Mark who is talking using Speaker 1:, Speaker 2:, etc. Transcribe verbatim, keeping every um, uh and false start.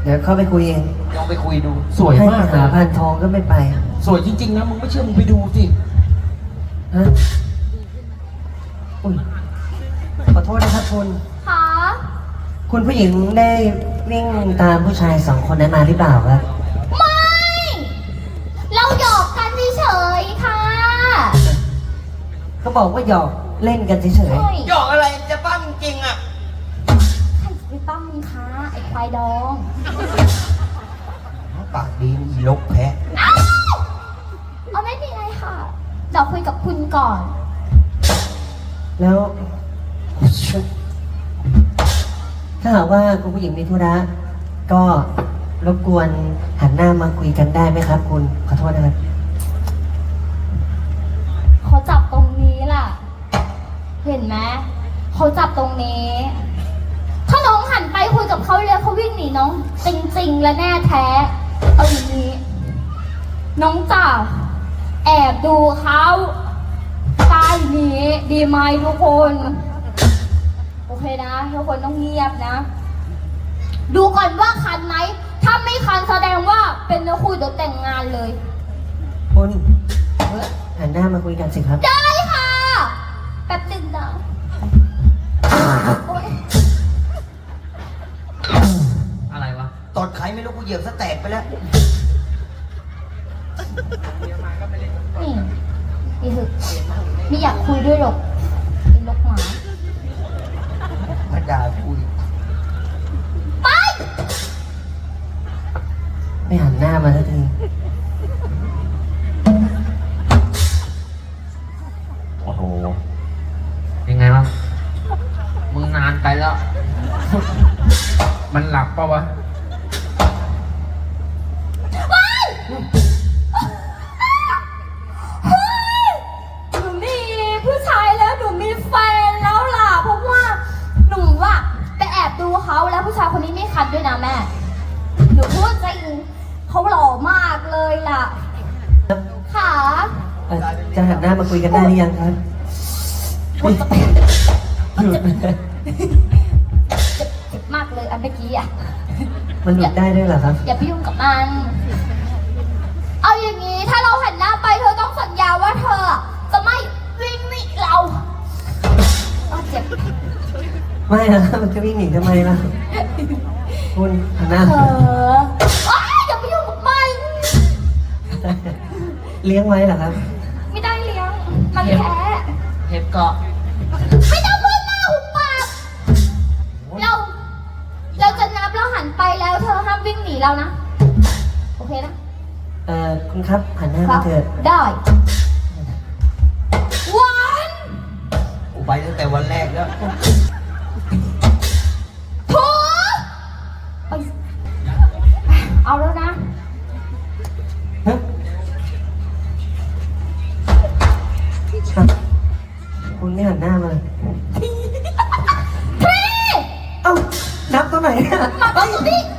Speaker 1: ดี๋ยวเข้าไปคุยเอง
Speaker 2: ลองไปคุยดูสวยมาก
Speaker 1: ให้หาพานทองก็ไม่ไป
Speaker 2: สวยจริงๆนะมึงไม่เชื่อมึงไปดูสิ
Speaker 1: ฮะอุ้ยขอโทษนะครับคุณ
Speaker 3: ค่ะ
Speaker 1: คุณผู้หญิงได้วิ่งตามผู้ชายสองคนนั้นมาหรือเปล่าครับ
Speaker 3: ไม่ เราหยอกกันเฉยๆค่ะ
Speaker 1: เขาบอกว่าหยอกเล่นกันเฉย
Speaker 3: ใช่
Speaker 2: หยอกอะไรจะปั้มจริงอ่ะ
Speaker 3: ใครจะไปปั้มมึงคะไอ้ควายดอง
Speaker 2: ปากดีมีลกแพะ
Speaker 3: เอ้าเอาไม่มีอะไรค่ะเดี๋ยวคุยกับคุณก่อน
Speaker 1: ๆแล้ว ถ้าหากว่าคุณผู้หญิงมีธุระก็รบกวนหันหน้ามาคุยกันได้ไหมครับ คุณขอโทษนะครับ
Speaker 3: เขาจับตรงนี้ล่ะ เห็นไหมเขาจับตรงนี้ ถ้าน้องหันไปคุยกับเขาเลยเขาวิ่งหนีน้องจริงๆและแน่แท้ เอาอย่างนี้ น้องจ่าแอบดูเขาใต้นี้ดีไหมทุกคน โอเคนะทุกคนต้องเงียบนะ ดูก่อนว่าคันไหม ถ้าไม่คันแสดงว่าเป็นเนื้อคู่เดี๋ยวแต่งงานเลย
Speaker 1: คุณหันหน้ามาคุยกันสิครับ
Speaker 3: ได้ค่ะ แป๊บหนึงนะโอ๊ย
Speaker 2: อะไรวะตดใครไม่รู้กูเหยียบสแตกไปแล้ว
Speaker 3: นี่นี่คือไม่อยากคุยด้วยหรอกเป็นลกหมา
Speaker 2: มาด่าคุย
Speaker 3: ไป
Speaker 1: ไม่หันหน้ามาสักที
Speaker 2: โอ้โหยังไงวะมึงนานไปแล้ว มันหลับปะวะ
Speaker 3: หนูมีผู้ชายแล้วหนูมีแฟนแล้วล่ะ เพราะว่าหนูอะไปแอบดูเขาแล้วผู้ชายคนนี้ไม่คัดด้วยนะแม่ หนูพูดจริงเขาหล่อมากเลยล่ะค่ะ
Speaker 1: เอ่อจะหันหน้ามาคุยกันได้หรือยังครับ
Speaker 3: มันจะมันจะเจ็บมากเลยอันเมื่อกี้อะ
Speaker 1: มันหลุดได้ด้วยเหรอครับ
Speaker 3: อย่าไปยุ่งกับมัน เอาอย่างนี้ถ้าเราหันหน้าไปเธอต้องสัญญาว่าเธอจะไม่วิ่งหนีเราเอาเจ็บ
Speaker 1: ไม่นะมันจะวิ่งหนีทำไมล่ะ คุณหันหน้า
Speaker 3: เธออ้ายอย่าไปยุ่งกับมัน
Speaker 1: เลี้ยงไว้เหรอครับ
Speaker 3: ไม่ได้เลี้ยง มันแพ้
Speaker 2: เห็บเกาะ
Speaker 3: ไม่ต้องพูดมากหุบปากเรา เราจะนับแล้วหันไปแล้วเธอห้ามวิ่งหนีเรานะ โอเคนะ
Speaker 1: เอ่อคุณครับหันหน้า
Speaker 3: ครั
Speaker 1: มา
Speaker 3: บ
Speaker 1: เถิด
Speaker 3: ได้วัน
Speaker 2: กูไปตั้งแต่วันแรกแล้ว
Speaker 3: ถูไปเอาแล้วนะ
Speaker 1: ฮะครับคุณไม่หันหน้ามาเลย
Speaker 3: พี่
Speaker 1: เอ้านับตัวไหนเนี่ย
Speaker 3: มาตรงนี้